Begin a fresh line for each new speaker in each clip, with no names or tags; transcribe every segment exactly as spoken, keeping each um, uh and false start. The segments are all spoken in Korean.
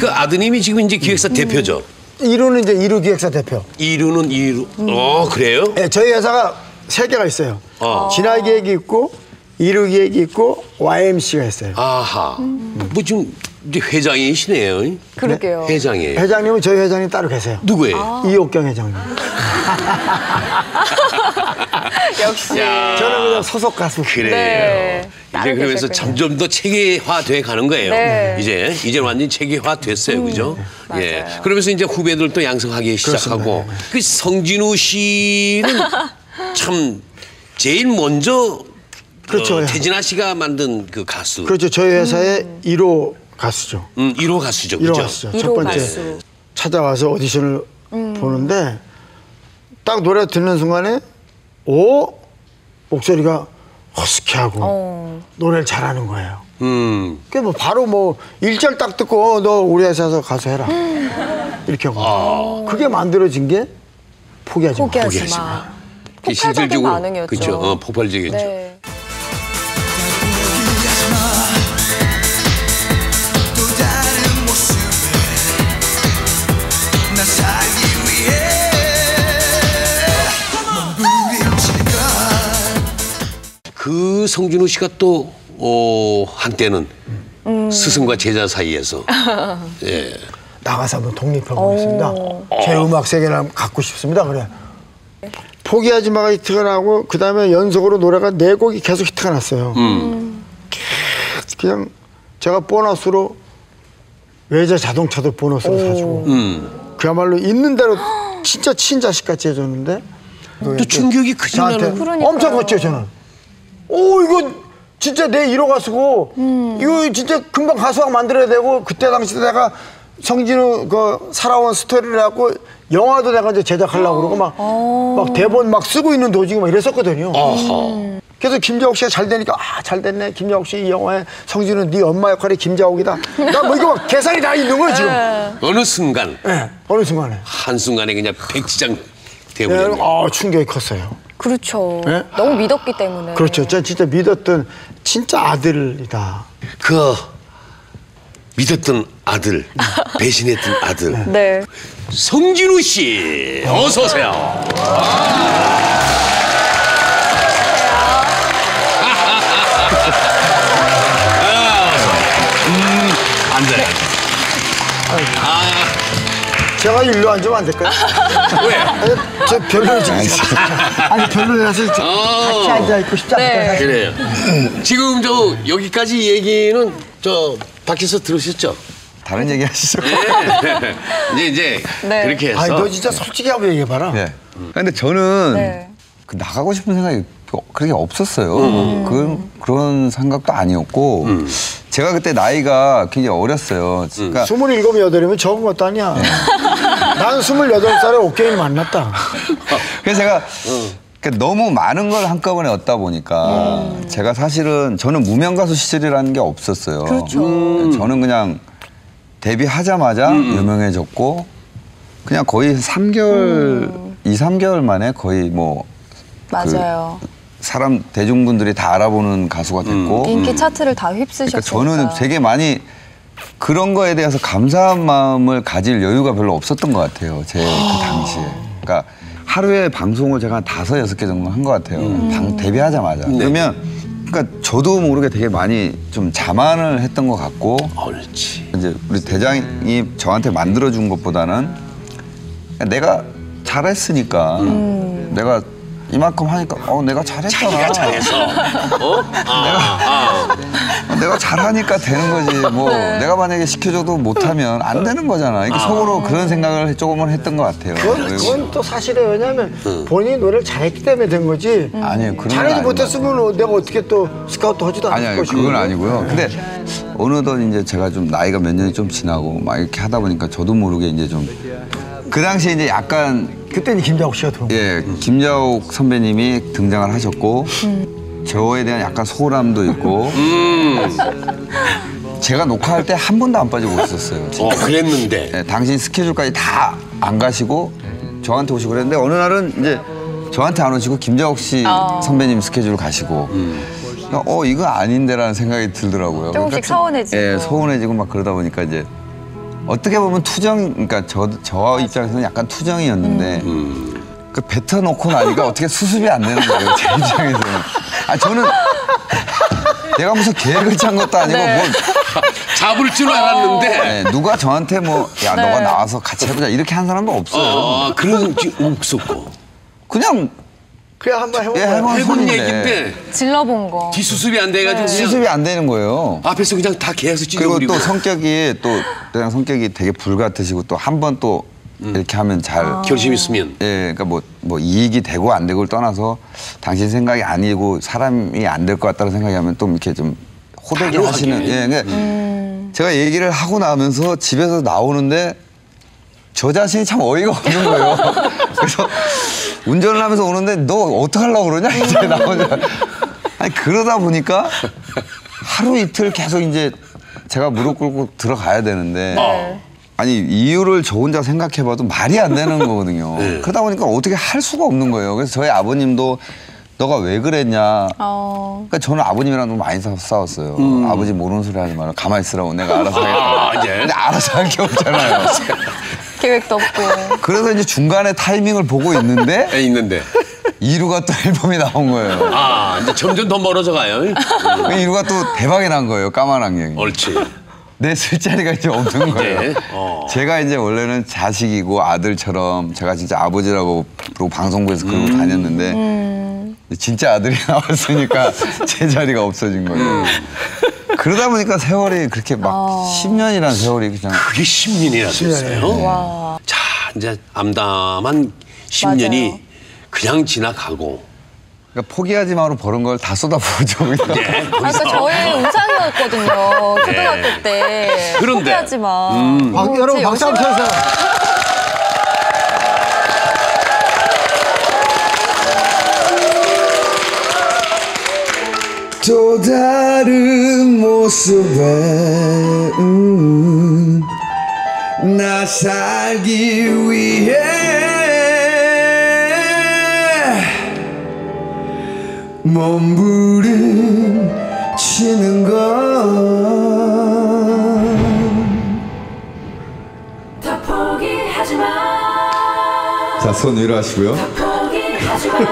그 아드님이 지금 이제 기획사 음. 대표죠.
이루는 이제 이루 기획사 대표.
이루는 이루. 음. 어 그래요?
네, 저희 회사가 세 개가 있어요. 어. 진화 기획이 있고 이루 기획이 있고 와이엠씨가 있어요.
아하. 음. 뭐 지금 이제 회장이시네요.
그러게요.
네? 회장이에요.
회장님은 저희 회장님 따로 계세요.
누구예요?
아.
이옥경 회장님.
역시.
야.
저는 그냥 소속 가수.
그래요.
네.
이제 그러면서 점점 더 체계화돼 가는 거예요.
네.
이제 이제 완전 체계화 됐어요, 음, 그죠?
맞아요.
예. 그러면서 이제 후배들도 양성하기 시작하고
그렇습니다.
그 성진우 씨는 참 제일 먼저
그렇죠.
어, 태진아 씨가 만든 그 가수.
그렇죠. 저희 회사의 음. 일 호 가수죠.
음, 일 호 가수죠,
일 호
그죠?
가수죠. 첫 번째 가수. 찾아와서 오디션을 음. 보는데 딱 노래 듣는 순간에 오 목소리가 허스키하고 어. 노래를 잘하는 거예요. 음. 그게 뭐 바로 뭐 일절 딱 듣고 어, 너 우리 회사에서 가수 해라 음. 이렇게 하고 아. 그게 만들어진 게 포기하지 마.
포기하지,
포기하지 마.
마. 폭발적인 반응이었죠.
그렇죠. 어, 폭발적이었죠.
네.
그 성진우 씨가 또 어, 한때는 음. 스승과 제자 사이에서 예.
나가서 한번 독립해보겠습니다. 제 음악 세계를 갖고 싶습니다. 그래. 포기하지 마가 히트가 나고 그 다음에 연속으로 노래가 네 곡이 계속 히트가 났어요. 음. 그냥 제가 보너스로 외제 자동차도 보너스로 오. 사주고 음. 그야말로 있는 대로 진짜 친자식같이 해줬는데
또 충격이 크지 않아요?
엄청 컸죠 저는. 오 이거 진짜 내 일 호 가수고 음. 이거 진짜 금방 가수왕 만들어야 되고 그때 당시 내가 성진우 그 살아온 스토리를 갖고 영화도 내가 이제 제작하려고 그러고 막, 막 대본 막 쓰고 있는 도중에 막 이랬었거든요. 음. 그래서 김자옥 씨가 잘 되니까 아 잘 됐네. 김자옥 씨 이 영화에 성진우 네 엄마 역할이 김자옥이다. 나 뭐 이거 막 계산이 다 있는 거예요 지금.
어느 순간.
네, 어느 순간에.
한 순간에 그냥 백지장 되어버렸네.
네, 아 충격이 컸어요.
그렇죠. 네? 너무 믿었기 때문에.
그렇죠. 제가 진짜 믿었던 진짜 아들이다.
그 믿었던 아들, 배신했던 아들.
네.
성진우 씨, 어서 오세요. 음, 안 돼. 아.
제가 일로 앉으면 안 될까요?
왜?
아니, 저 별로지. 아니 별로라서
어.
같이 앉아 있고 싶지 않다.
네.
그래요. 지금 저 여기까지 얘기는 저 밖에서 들으셨죠?
다른 얘기 하시죠.
네. 이제 이제
네.
그렇게 해서.
아니 너 진짜 솔직히 한번 얘기해봐라.
네. 근데 저는
네.
그 나가고 싶은 생각이 그렇게 없었어요. 음. 그런 그런 생각도 아니었고 음. 제가 그때 나이가 굉장히 어렸어요. 그러니까
스물일곱 여덟이면 적은 것도 아니야. 네. 난 스물여덟 살에 옥경이를 만났다.
그래서 제가 음. 그러니까 너무 많은 걸 한꺼번에 얻다 보니까 음. 제가 사실은 저는 무명 가수 시절이라는 게 없었어요.
그렇죠.
음. 저는 그냥 데뷔하자마자 음. 유명해졌고 그냥 거의 삼 개월, 음. 이, 삼 개월 만에 거의 뭐
맞아요.
그 사람 대중분들이 다 알아보는 가수가 됐고
음. 인기 차트를 다 휩쓰셨으니까.
그러니까 저는 되게 많이 그런 거에 대해서 감사한 마음을 가질 여유가 별로 없었던 것 같아요. 제 그 당시에. 그러니까 하루에 방송을 제가 한 다섯, 여섯 개 정도 한 것 같아요. 음. 방, 데뷔하자마자. 네. 그러면 그러니까 저도 모르게 되게 많이 좀 자만을 했던 것 같고
옳지.
이제 우리 대장이 저한테 만들어준 것보다는 내가 잘했으니까 음. 내가 이만큼 하니까 어 내가 잘했잖아.
자기가 잘해서. 어? 아,
내가, 내가 잘하니까 되는 거지. 뭐
네.
내가 만약에 시켜줘도 못하면 안 되는 거잖아. 이게 아. 속으로 그런 생각을 조금은 했던 것 같아요.
그건, 그건 또 사실이에요. 왜냐하면 응. 본인이 노래를 잘했기 때문에 된 거지.
음. 아니에요. 그런
잘하지 못했으면 내가 어떻게 또 스카우트 하지도 않을
아니,
것이고.
그건 아니고요. 근데 어느덧 이제 제가 좀 나이가 몇 년이 좀 지나고 막 이렇게 하다 보니까 저도 모르게 이제 좀 그 당시에 이제 약간
그때는 김자옥 씨가 들어온 거예요.
예, 김자옥 선배님이 등장을 하셨고 음. 저에 대한 약간 소홀함도 있고 음. 제가 녹화할 때 한 번도 안 빠지고 있었어요.
어, 그랬는데.
예, 당신 스케줄까지 다 안 가시고 저한테 오시고 그랬는데 어느 날은 이제 저한테 안 오시고 김자옥 씨 어. 선배님 스케줄 가시고 음. 그러니까 어 이거 아닌데라는 생각이 들더라고요.
조금씩
그러니까
서운해지고.
예, 서운해지고 막 그러다 보니까 이제 어떻게 보면 투정, 그러니까 저, 저 입장에서는 약간 투정이었는데
음.
그 뱉어놓고 나니까 어떻게 수습이 안 되는 거예요, 제 입장에서는. 아, 저는 내가 무슨 계획을 짠 것도 아니고
네.
뭐
잡을 줄 알았는데.
네, 누가 저한테 뭐 야
네.
너가 나와서 같이 해보자 이렇게 한 사람도 없어요.
어, 그런 게 없었고.
그냥
그냥 한번 해본
예,
거야.
해본
해본
소리인데
얘기인데
질러본 거.
뒤수습이 안 돼가지고 그냥
수습이 안 되는 거예요.
앞에서 그냥 다 계속
그리고
찢어버리고.
또 성격이 또 그냥 성격이 되게 불같으시고 또 한 번 또 이렇게 하면 잘
결심 있으면.
예, 그러니까 뭐, 뭐 이익이 되고 안 되고를 떠나서 당신 생각이 아니고 사람이 안 될 것 같다는 생각이 하면 또 이렇게 좀 호되게
단호하게.
하시는. 예, 그러니까
음.
제가 얘기를 하고 나면서 집에서 나오는데 저 자신이 참 어이가 없는 거예요. 그래서 운전을 하면서 오는데 너 어떡하려고 그러냐 이제 나오자. 아니 그러다 보니까 하루 이틀 계속 이제 제가 무릎 꿇고 들어가야 되는데
네.
아니 이유를 저 혼자 생각해봐도 말이 안 되는 거거든요.
네.
그러다 보니까 어떻게 할 수가 없는 거예요. 그래서 저희 아버님도 너가 왜 그랬냐.
어.
그러니까 저는 아버님이랑 너무 많이 싸- 싸웠어요. 아버지 모르는 소리 하지 마라. 가만히 있으라고 내가 알아서 하겠다.
아, 이제.
근데 알아서 할 게 없잖아요.
계획도 없고.
그래서 이제 중간에 타이밍을 보고 있는데
에 있는데.
이루가 또 앨범이 나온 거예요.
아, 이제 점점 더 멀어져 가요.
그 이루가 또 대박이 난 거예요. 까만 안경이.
옳지.
내 쓸자리가 이제 없는 거예요.
이제, 어.
제가 이제 원래는 자식이고 아들처럼 제가 진짜 아버지라고 그리고 방송국에서 그러고
음.
다녔는데 진짜 아들이 나왔으니까 제 자리가 없어진 거예요. 그러다 보니까 세월이 그렇게 막 십 년이라는 세월이 그냥
그게 십 년이나 됐어요.
와.
자, 이제 암담한 십 년이 그냥 지나가고.
그러니까 포기하지 마로 버는 걸 다 쏟아부어줘.
네,
아까
거기서.
저의 우상이었거든요. 초등학교 때.
그런데.
포기하지 마.
음.
박,
어,
여러분
제
박수 한번
열심히-
쳐주세요.
또 다른 모습에 음, 나 살기 위해 몸부림치는 건
다 포기하지 마.
자, 손 위로 하시고요.
포기하지 마.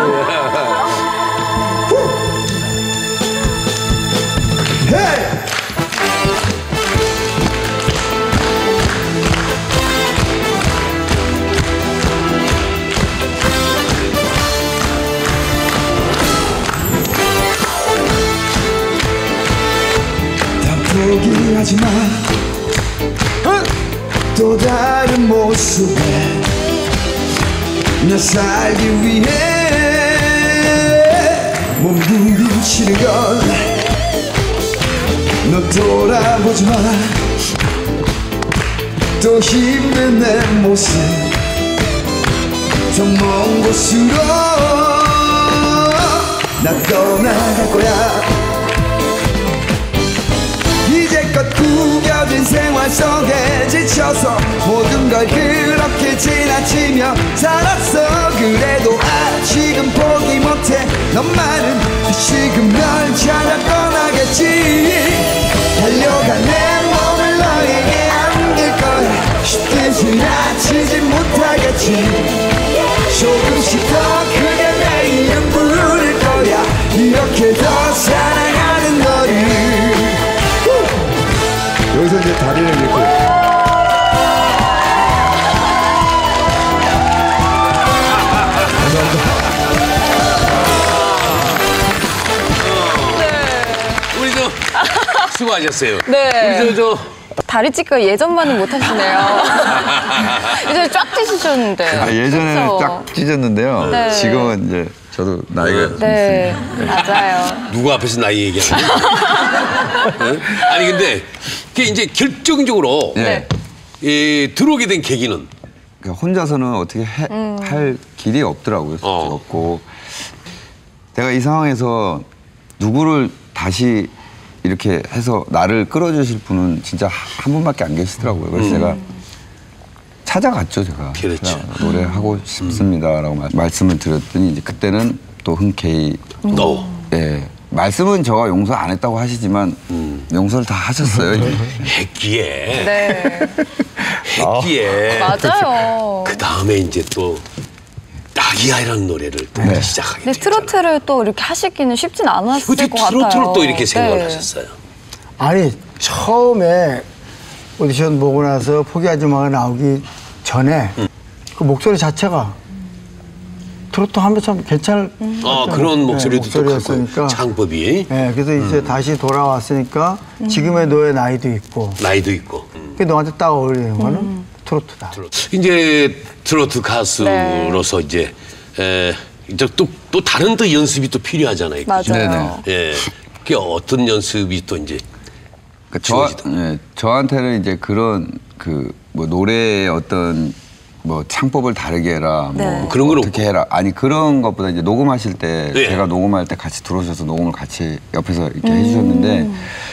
포기하지 마. 또 다른 모습에 나 살기 위해 몸부림치는 건 너 돌아보지 마. 또 힘든 내 모습 더 먼 곳으로 나 떠나갈 거야. 이제껏 구겨진 생활 속에 지쳐서 모든 걸 그렇게 지나치며 살았어. 그래도 아직은 포기 못해. 너만은 지금 널 찾아 떠나겠지. 달려간 내 몸을 너에게 안길 거야. 쉽게 지나치지 못하겠지. 조금씩 더 크게 내 이름 부를 거야. 이렇게 더 사랑하는 너를. 여기서 이제 다리를 이렇게.
우리 저 수고하셨어요.
네.
우리 저, 저
다리 찢기가 예전만은 못하시네요. 이제 쫙 찢으셨는데.
아, 예전에는
그쵸?
쫙 찢었는데요.
네.
지금은 이제 저도 나이가 좀
네, 맞아요.
누구 앞에서 나이 얘기하는 응? 아니 근데 그게 이제 결정적으로
네.
이, 들어오게 된 계기는
그러니까 혼자서는 어떻게 해- 할 길이 없더라고요. 솔직히
어.
없고 내가 이 상황에서 누구를 다시 이렇게 해서 나를 끌어주실 분은 진짜 한 분밖에 안 계시더라고요. 그래서 제가 찾아갔죠, 제가.
그렇죠.
제가 노래하고 싶습니다라고 말- 말씀을 드렸더니 이제 그때는 또 흔쾌히
너
예. 말씀은 저가 용서 안 했다고 하시지만 용서를 다 하셨어요.
했기에
네.
했기에
맞아요.
그 다음에 이제 또 낙이야라는 노래를 또
네.
시작하게
근데
됐잖아요.
트로트를 또 이렇게 하시기는 쉽진 않았을
어떻게
것 같아요.
트로트를 또 이렇게 생각을
네.
하셨어요?
아니 처음에 오디션 보고 나서 포기하지 마가 나오기 전에 그 목소리 자체가 트로트 하면 참 괜찮을
아 그런 목소리도
네,
또 갖고
목소리였으니까.
창법이
네, 그래서 이제 다시 돌아왔으니까 지금의 너의 나이도 있고
나이도 있고. 음.
그게 너한테 딱 어울리는 거는 트로트다.
이제 트로트 가수로서 이제 에, 이제 또, 또 다른 또 연습이 또 필요하잖아요. 그죠?
맞아요.
네네.
예. 그게 어떤 연습이 또 이제
그러니까 저,
지워지다.
예, 저한테는 이제 그런 그 뭐 노래의 어떤 뭐 창법을 다르게 해라, 뭐
네.
그런 건
어떻게 해라. 아니 그런 것보다 이제 녹음하실 때
네.
제가 녹음할 때 같이 들어오셔서 녹음을 같이 옆에서 이렇게 해주셨는데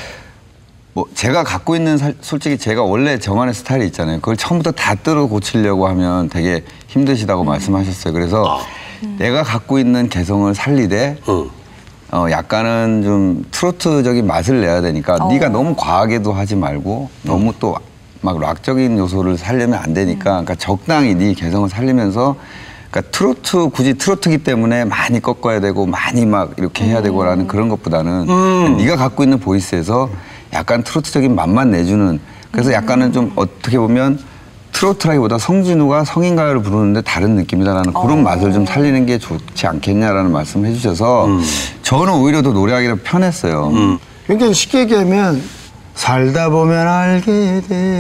뭐 제가 갖고 있는 살- 솔직히 제가 원래 저만의 스타일이 있잖아요. 그걸 처음부터 다 뜯어 고치려고 하면 되게 힘드시다고 말씀하셨어요. 그래서 내가 갖고 있는 개성을 살리되
어.
어 약간은 좀 트로트적인 맛을 내야 되니까
어.
네가 너무 과하게도 하지 말고 너무 또 막 락적인 요소를 살려면 안 되니까 그러니까 적당히 네 개성을 살리면서 그러니까 트로트 굳이 트로트기 때문에 많이 꺾어야 되고 많이 막 이렇게 해야 되고라는 그런 것보다는 네가 갖고 있는 보이스에서 약간 트로트적인 맛만 내주는 그래서 약간은 좀 어떻게 보면 트로트라기보다 성진우가 성인 가요를 부르는데 다른 느낌이다라는 그런 맛을 좀 살리는 게 좋지 않겠냐라는 말씀을 해주셔서 저는 오히려 더 노래하기가 편했어요.
그러니까 쉽게 얘기하면 살다 보면 알게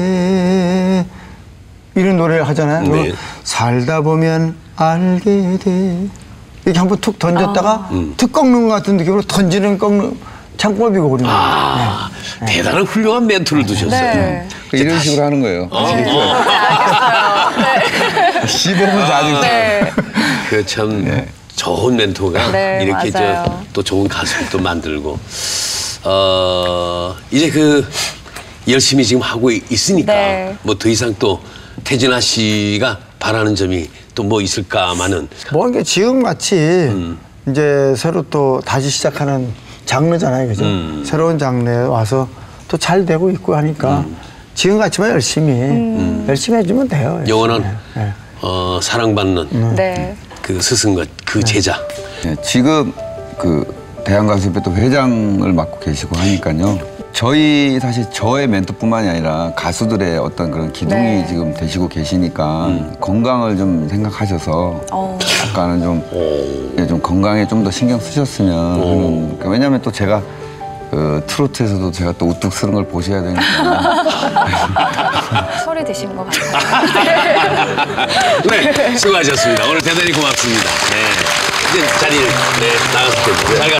돼 이런 노래를 하잖아요.
네.
그럼 살다 보면 알게 돼 이렇게 한번 툭 던졌다가 툭 꺾는 것 같은 느낌으로 던지는 꺾는 창법이거든요.
아, 대단한 훌륭한 멘토를 두셨어요.
네.
그러니까 이런 식으로 하는 거예요. 씹어보면서 아주
네.
그 참 좋은 멘토가
네,
이렇게
맞아요.
저 또 좋은 가수를 또 만들고 어 이제 그 열심히 지금 하고 있- 있으니까
네.
뭐 더 이상 또 태진아 씨가 바라는 점이 또 뭐 있을까마는
뭐 이게 지금 같이 이제 새로 또 다시 시작하는 장르잖아요, 그죠? 새로운 장르에 와서 또 잘 되고 있고 하니까 지금 같이만 열심히 열심히 해주면 돼요. 열심히.
영원한
네.
어, 사랑받는
네.
그 스승과 그 제자.
예, 지금 그 대한가수협회 또 회장을 맡고 계시고 하니까요. 저희 사실 저의 멘토뿐만이 아니라 가수들의 어떤 그런 기둥이
네.
지금 되시고 계시니까 건강을 좀 생각하셔서
어.
약간은 좀, 예, 좀 건강에 좀 더 신경 쓰셨으면 하는. 그러니까 왜냐하면 또 제가 그 트로트에서도 제가 또 우뚝 쓰는 걸 보셔야 되니까.
소리 드신 것 같아요.
네, 수고하셨습니다. 오늘 대단히 고맙습니다. 네. 이제 자리를 네, 나가서 잘